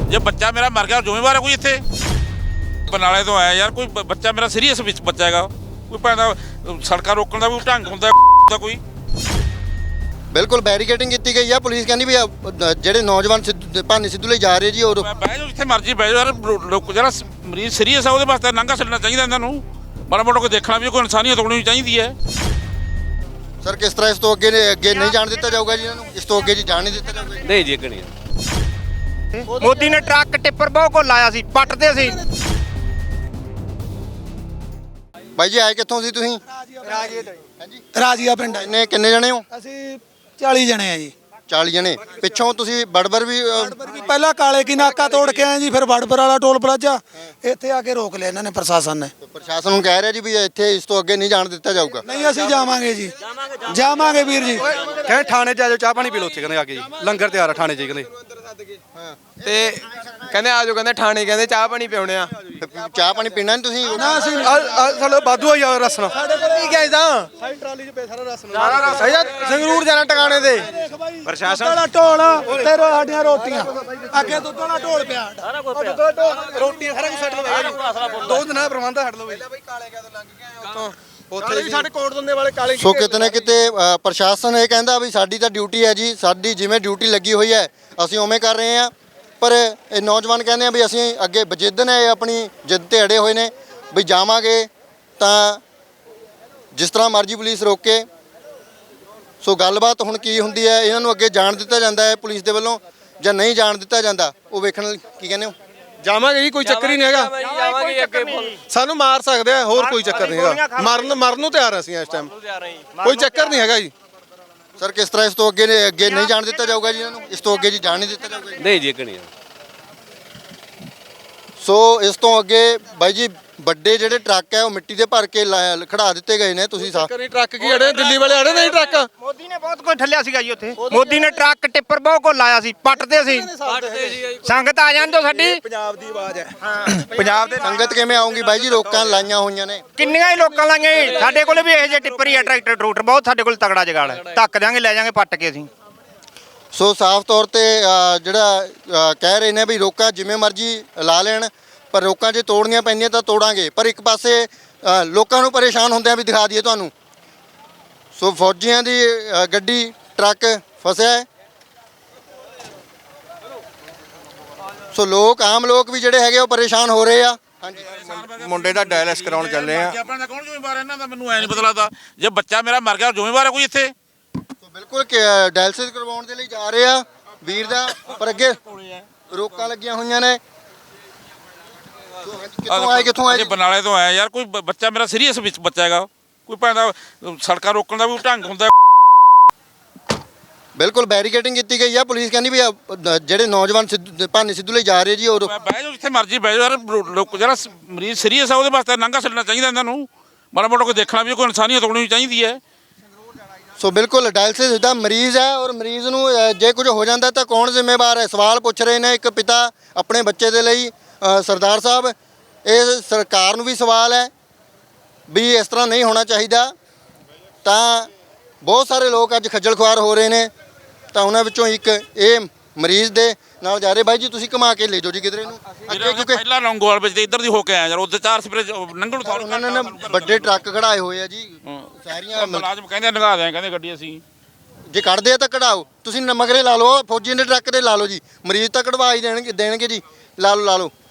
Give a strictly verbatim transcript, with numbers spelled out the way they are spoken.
ਜੇ ਬੱਚਾ ਮੇਰਾ ਮਰ ਗਿਆ ਜ਼ਿੰਮੇਵਾਰ ਹੈ ਕੋਈ ਇੱਥੇ? ਬਰਨਾਲੇ ਤੋਂ ਆਇਆ ਯਾਰ, ਕੋਈ ਬੱਚਾ ਮੇਰਾ ਸੀਰੀਅਸ ਵਿੱਚ ਬੱਚਾ ਹੈਗਾ, ਕੋਈ ਪੈਂਦਾ ਸੜਕਾਂ ਰੋਕਣ ਦਾ ਵੀ ਢੰਗ ਹੁੰਦਾ ਦਾ ਕੋਈ। ਬਿਲਕੁਲ ਬੈਰੀਕੇਡਿੰਗ ਕੀਤੀ ਗਈ ਆ। ਪੁਲਿਸ ਕਹਿੰਦੀ ਵੀ ਜਿਹੜੇ ਨੌਜਵਾਨ ਸਿੱਧੂ ਭਾਨੀ ਸਿੱਧੂ ਲਈ ਜਾ ਰਹੇ ਜੀ, ਉਹ ਬਹਿ ਜਾਓ ਜਿੱਥੇ ਮਰਜ਼ੀ ਬਹਿ ਜਾਓ ਯਾਰ। ਲੋਕ ਜਿਹੜਾ ਮਰੀਜ਼ ਸੀਰੀਅਸ ਆ ਉਹਦੇ ਵਾਸਤੇ ਲੰਘਾ ਛੱਡਣਾ ਚਾਹੀਦਾ ਇਹਨਾਂ ਨੂੰ। ਮਾੜਾ ਮੋਟਾ ਕੋਈ ਦੇਖਣਾ ਵੀ ਕੋਈ ਇਨਸਾਨੀਅਤ ਹੋਣੀ ਚਾਹੀਦੀ ਹੈ। ਸਰ ਕਿਸ ਤਰ੍ਹਾਂ ਇਸ ਤੋਂ ਅੱਗੇ ਅੱਗੇ ਨਹੀਂ ਜਾਣ ਦਿੱਤਾ ਜਾਊਗਾ ਜੀ ਇਹਨਾਂ ਨੂੰ? ਇਸ ਤੋਂ ਅੱਗੇ ਜੀ ਜਾਣ ਨਹੀਂ ਦਿੱਤਾ ਜਾਊਗਾ? ਨਹੀਂ ਜੀ, ਅੱਗੇ ਨਹੀਂ। ਮੋਦੀ ਨੇ ਟਰੱਕ ਟਿੱਪਰ ਬਹੁਤ ਕੋ ਲਾਇਆ ਸੀ, ਪੱਟਦੇ ਸੀ। ਬਾਈ ਜੀ ਆਏ ਕਿੱਥੋਂ ਸੀ ਤੁਸੀਂ? ਰਾਜੀਆ ਤੋਂ ਹਾਂਜੀ, ਰਾਜੀਆ ਪਿੰਡ ਆ ਜੀ। ਕਿੰਨੇ ਕਿੰਨੇ ਜਣੇ ਹੋ? ਅਸੀਂ ਚਾਲੀ ਜਣੇ ਆ ਜੀ। ਚਾਲੀ ਜਣੇ। ਪਿੱਛੋਂ ਤੁਸੀਂ ਬੜਬਰ ਵੀ ਅ, ਪਹਿਲਾਂ ਕਾਲੇ ਕੀ ਨਾਕਾ ਤੋੜ ਕੇ ਆਏ ਜੀ, ਫਿਰ ਵੜਪਰ ਵਾਲਾ ਟੋਲ ਪਲਾਜ਼ਾ ਇੱਥੇ ਆ ਕੇ ਰੋਕ ਲਿਆ ਇਹਨਾਂ ਨੇ, ਪ੍ਰਸ਼ਾਸਨ ਨੇ। ਪ੍ਰਸ਼ਾਸਨ ਨੂੰ ਕਹਿ ਰਿਹਾ ਜੀ ਵੀ ਇੱਥੇ ਇਸ ਤੋਂ ਅੱਗੇ ਨਹੀਂ ਜਾਣ ਦਿੱਤਾ ਜਾਊਗਾ। ਨਹੀਂ ਅਸੀਂ ਜਾਵਾਂਗੇ ਜੀ, ਜਾਵਾਂਗੇ ਵੀਰ ਜੀ। ਕਹਿੰਦੇ ਥਾਣੇ ਚ ਆ ਜਾਓ, ਚਾਹ ਪਾਣੀ ਪੀ ਲਓ ਉੱਥੇ, ਕਹਿੰਦੇ ਆ ਕੇ ਜੀ ਲੰਗਰ ਤਿਆਰ ਆ ਥਾਣੇ ਚ ਕਹਿੰਦੇ। ਤੇ ਕਹਿੰਦੇ ਆ ਜਾਓ, ਕਹਿੰਦੇ ਥਾਣੇ, ਕਹਿੰਦੇ ਚਾਹ ਪਾਣੀ ਪਿਉਣੇ ਆ। ਚਾਹ ਪਾਣੀ ਪੀਣਾ ਨਹੀਂ ਤੁਸੀਂ? ਨਾ ਅਸੀਂ ਸਾਡਾ ਬਾਦੂ ਆ ਯਾਰ ਰਸਨਾ। ਕੀ ਕਹੇ ਤਾਂ ਸਾਡੀ ਟਰਾਲੀ ਚ ਪੇ ਸਾਰਾ ਰਸਨਾ। ਸਾਡਾ ਸੰਗਰੂਰ ਜਾਣਾ ਟਿਕਾਣੇ ਤੇ। ਪ੍ਰਸ਼ਾਸਨ ਵਾਲਾ ਢੋਲ ਤੇ ਰੋ- ਸਾਡੀਆਂ ਰੋਟੀਆਂ ਅੱਗੇ ਦੁੱਧ ਵਾਲਾ ਢੋਲ ਪਿਆ। ਰੋਟੀ ਸਾਰਾ ਕੁਝ ਛੱਡ ਲਓ, ਦੋ ਦਿਨਾਂ ਦਾ ਪ੍ਰਬੰਧ ਛੱਡ ਲਓ ਬਈ। ਉੱਥੇ ਵੀ ਸਾਡੇ ਕੋਟ ਦੰਦੇ ਵਾਲੇ ਕਾਲੇ। ਸੋ ਕਿਤੇ ਨਾ ਕਿਤੇ ਅ, ਪ੍ਰਸ਼ਾਸਨ ਇਹ ਕਹਿੰਦਾ ਵੀ ਸਾਡੀ ਤਾਂ ਡਿਊਟੀ ਹੈ ਜੀ, ਸਾਡੀ ਜਿਵੇਂ ਡਿਊਟੀ ਲੱਗੀ ਹੋਈ ਹੈ ਅਸੀਂ ਉਵੇਂ ਕਰ ਰਹੇ ਹਾਂ। ਪਰ ਇਹ ਨੌਜਵਾਨ ਕਹਿੰਦੇ ਆ ਵੀ ਅਸੀਂ ਅੱਗੇ ਬਜਿੱਦ ਨੇ, ਆਪਣੀ ਜਿੱਦ ਤੇ ਅੜੇ ਹੋਏ ਨੇ ਵੀ ਜਾਵਾਂਗੇ ਤਾਂ ਜਿਸ ਤਰ੍ਹਾਂ ਮਰਜ਼ੀ ਪੁਲਿਸ ਰੋਕੇ। ਸੋ ਗੱਲਬਾਤ ਹੁਣ ਕੀ ਹੁੰਦੀ ਹੈ, ਇਹਨਾਂ ਨੂੰ ਅੱਗੇ ਜਾਣ ਦਿੱਤਾ ਜਾਂਦਾ ਹੈ ਪੁਲਿਸ ਦੇ ਵੱਲੋਂ ਜਾਂ ਨਹੀਂ ਜਾਣ ਦਿੱਤਾ ਜਾਂਦਾ, ਉਹ ਵੇਖਣ ਲਈ ਕੀ ਕਹਿੰਦੇ ਹੋ? ਜਾਵਾਂਗੇ ਜੀ, ਕੋਈ ਚੱਕਰ ਹੀ ਨਹੀਂ ਹੈਗਾ। ਜਾਵਾਂਗੇ ਅੱਗੇ। ਸਾਨੂੰ ਮਾਰ ਸਕਦੇ ਆ, ਹੋਰ ਕੋਈ ਚੱਕਰ ਨਹੀਂ ਹੈਗਾ। ਮਰਨ ਮਰਨ ਨੂੰ ਤਿਆਰ ਅਸੀਂ ਇਸ ਟਾਈਮ, ਕੋਈ ਚੱਕਰ ਨਹੀਂ ਹੈਗਾ ਜੀ। ਸਰ ਕਿਸ ਤਰ੍ਹਾਂ ਇਸ ਤੋਂ ਅੱਗੇ ਨੇ ਅੱਗੇ ਨਹੀਂ ਜਾਣ ਦਿੱਤਾ ਜਾਊਗਾ ਜੀ ਇਹਨਾਂ ਨੂੰ? ਇਸ ਤੋਂ ਅੱਗੇ ਜੀ ਜਾਣ ਨਹੀਂ ਦਿੱਤਾ ਜਾਊਗਾ ਜੀ? ਨਹੀਂ ਜੀ, ਅੱਗੇ ਨਹੀਂ। ਸੋ ਇਸ ਤੋਂ ਅੱਗੇ ਬਾਈ ਜੀ ਵੱਡੇ ਜਿਹੜੇ ਟਰੱਕ ਹੈ ਉਹ ਮਿੱਟੀ ਦੇ ਭਰ ਕੇ ਲਾ- ਖੜਾ ਦਿੱਤੇ ਗਏ ਨੇ। ਤੁਸੀਂ ਸਾਹ ਕਰੀ ਟਰੱਕ ਕੀ ਅੜੇ, ਦਿੱਲੀ ਵਾਲੇ ਅੜੇ ਨਹੀਂ ਟਰੱਕ। ਮੋਦੀ ਨੇ ਬਹੁਤ ਕੁਝ ਠੱਲਿਆ ਸੀਗਾ ਜੀ ਉੱਥੇ। ਮੋਦੀ ਨੇ ਟਰੱਕ ਟਿੱਪਰ ਬਹੁਤ ਕੋ ਲਾਇਆ ਸੀ, ਪੱਟਦੇ ਸੀ। ਸੰਗਤ ਆ ਜਾਂਦੇ ਸਾਡੀ। ਪੰਜਾਬ ਦੀ ਆਵਾਜ਼ ਹੈ। ਪੰਜਾਬ ਦੇ ਸੰਗਤ ਕਿਵੇਂ ਆਉਂਗੀ ਬਾਈ ਜੀ? ਲੋਕਾਂ ਲਾਈਆਂ ਹੋਈਆਂ ਨੇ। ਕਿੰਨੀਆਂ ਹੀ ਲੋਕਾਂ ਲਾਈਆਂ ਜੀ। ਸਾਡੇ ਕੋਲ ਵੀ ਇਹੋ ਜਿਹੇ ਟਿੱਪਰ ਹੀ ਆ, ਟਰੈਕਟਰ ਟਰੂਟਰ ਬਹੁਤ ਸਾਡੇ ਕੋਲ ਤਗੜਾ ਜਗਾੜ ਹੈ। ਧੱਕ ਦਿਆਂਗੇ, ਲੈ ਜਾਾਂਗੇ ਪੱਟ ਕੇ ਅਸੀਂ। ਸੋ ਸਾਫ਼ ਤੌਰ ਤੇ ਅ, ਜਿਹੜਾ ਅ, ਕਹਿ ਰਹੇ ਨੇ ਵੀ ਰੋਕਾਂ ਜਿਵੇਂ ਮਰਜ਼ੀ ਲਾ ਲੈਣ, ਪਰ ਰੋਕਾਂ ਜੇ ਤੋੜਨੀਆਂ ਪੈਂਦੀਆਂ ਤਾਂ ਤੋੜਾਂਗੇ। ਪਰ ਇੱਕ ਪਾਸੇ ਅ, ਲੋਕਾਂ ਨੂੰ ਪਰੇਸ਼ਾਨ ਹੁੰਦਿਆਂ ਵੀ ਦਿਖਾ ਦਈਏ ਤੁਹਾਨੂੰ। ਸੋ ਫੌਜੀਆਂ ਦੀ ਅ, ਗੱਡੀ ਟਰੱਕ ਫਸਿਆ ਹੈ। ਸੋ ਲੋਕ ਆਮ ਲੋਕ ਵੀ ਜਿਹੜੇ ਹੈਗੇ ਉਹ ਪਰੇਸ਼ਾਨ ਹੋ ਰਹੇ ਆ। ਮੁੰਡੇ ਦਾ ਡਾਇਲਿਸ ਕਰਾਉਣ ਚੱਲੇ ਆ। ਆਪਣਾ ਦਾ ਕੌਣ ਜ਼ਿੰਮੇਵਾਰ ਇਹਨਾਂ ਦਾ? ਮੈਨੂੰ ਐ ਨਹੀਂ ਪਤਾ ਲੱਗਦਾ। ਜੇ ਬੱਚਾ ਮੇਰਾ ਮਰ ਗਿਆ ਜ਼ਿੰਮੇਵਾਰ ਹੈ ਕੋਈ ਇੱਥੇ? ਸੋ ਬਿਲਕੁਲ ਡਾਇਲਿਸਿਸ ਕਰਵਾਉਣ ਦੇ ਲਈ ਜਾ ਰਹੇ ਆ ਵੀਰ ਦਾ, ਪਰ ਅੱਗੇ ਰੋਕਾਂ ਲੱਗੀਆਂ ਹੋਈਆਂ ਨੇ। ਕਿੱਥੋਂ ਆਏ ਕਿੱਥੋਂ ਆਏ? ਬਰਨਾਲੇ ਤੋਂ ਆਇਆ ਯਾਰ, ਕੋਈ ਬੱਚਾ ਮੇਰਾ ਸੀਰੀਅਸ ਵਿੱਚ ਬੱਚਾ ਹੈਗਾ, ਕੋਈ ਪੈਂਦਾ ਸੜਕਾਂ ਰੋਕਣ ਦਾ ਵੀ ਢੰਗ ਹੁੰਦਾ। ਬਿਲਕੁਲ ਬੈਰੀਕੇਡਿੰਗ ਕੀਤੀ ਗਈ ਆ। ਪੁਲਿਸ ਕਹਿੰਦੀ ਵੀ ਜਿਹੜੇ ਨੌਜਵਾਨ ਸਿੱਧੂ ਭਾਨੀ ਸਿੱਧੂ ਲਈ ਜਾ ਰਹੇ ਜੀ, ਉਹ ਬਹਿ ਜਾਓ ਜਿੱਥੇ ਮਰਜ਼ੀ ਬਹਿ ਜਾਓ ਯਾਰ। ਲੋਕ ਜਿਹੜਾ ਮਰੀਜ਼ ਸੀਰੀਅਸ ਆ ਉਹਦੇ ਵਾਸਤੇ ਲੰਘਾ ਛੱਡਣਾ ਚਾਹੀਦਾ ਇਹਨਾਂ ਨੂੰ। ਮਾੜਾ ਮੋਟਾ ਕੋਈ ਦੇਖਣਾ ਵੀ ਕੋਈ ਇਨਸਾਨੀਅਤ ਹੋਣੀ ਚਾਹੀਦੀ ਹੈ। ਸੋ ਬਿਲਕੁਲ ਡਾਇਲਿਸਿਸ ਦਾ ਮਰੀਜ਼ ਹੈ, ਔਰ ਮਰੀਜ਼ ਨੂੰ ਅ, ਜੇ ਕੁਝ ਹੋ ਜਾਂਦਾ ਤਾਂ ਕੌਣ ਜ਼ਿੰਮੇਵਾਰ ਹੈ? ਸਵਾਲ ਪੁੱਛ ਰਹੇ ਨੇ ਇੱਕ ਪਿਤਾ ਆਪਣੇ ਬੱਚੇ ਦੇ ਲਈ। ਅ, ਸਰਦਾਰ ਸਾਹਿਬ, ਇਹ ਸਰਕਾਰ ਨੂੰ ਵੀ ਸਵਾਲ ਹੈ ਵੀ ਇਸ ਤਰ੍ਹਾਂ ਨਹੀਂ ਹੋਣਾ ਚਾਹੀਦਾ। ਤਾਂ ਬਹੁਤ ਸਾਰੇ ਲੋਕ ਅੱਜ ਖੱਜਲ ਖੁਆਰ ਹੋ ਰਹੇ ਨੇ, ਤਾਂ ਉਹਨਾਂ ਵਿੱਚੋਂ ਇੱਕ ਇਹ ਮਰੀਜ਼ ਦੇ ਨਾਲ ਜਾ ਰਹੇ। ਬਾਈ ਜੀ ਤੁਸੀਂ ਘੁਮਾ ਕੇ ਲੈ ਜਾਓ ਜੀ ਕਿਧਰੇ ਨੂੰ ਅੱਗੇ, ਕਿਉਂਕਿ ਪਹਿਲਾਂ ਲੌਂਗੋਵਾਲ ਵਿੱਚ ਤੇ ਇੱਧਰ ਦੀ ਹੋ ਕੇ ਆਇਆ ਯਾਰ। ਉੱਥੇ ਚਾਰ ਸਪਰੇ ਲੰਘਣ ਨੂੰ ਉਹਨਾਂ ਨੇ ਨਾ ਵੱਡੇ ਟਰੱਕ ਖੜਾਏ ਹੋਏ ਆ ਜੀ ਸਾਰੀਆਂ। ਮੁਲਾਜ਼ਮ ਕਹਿੰਦੇ ਨਗਾ ਦਿਆਂ, ਕਹਿੰਦੇ ਗੱਡੀ ਅਸੀਂ। ਜੇ ਕੱਢਦੇ ਆ ਤਾਂ ਕਢਾਓ, ਤੁਸੀਂ ਮਗਰੇ ਲਾ ਲਓ, ਫੌਜੀ ਦੇ ਟਰੱਕ ਤੇ ਲਾ ਲਓ ਜੀ। ਮਰੀਜ਼ ਤਾਂ ਕਢਵਾ ਹੀ ਦੇਣਗੇ ਦੇਣਗੇ ਜੀ। ਲਾ ਲਓ ਲਾ ਲਓ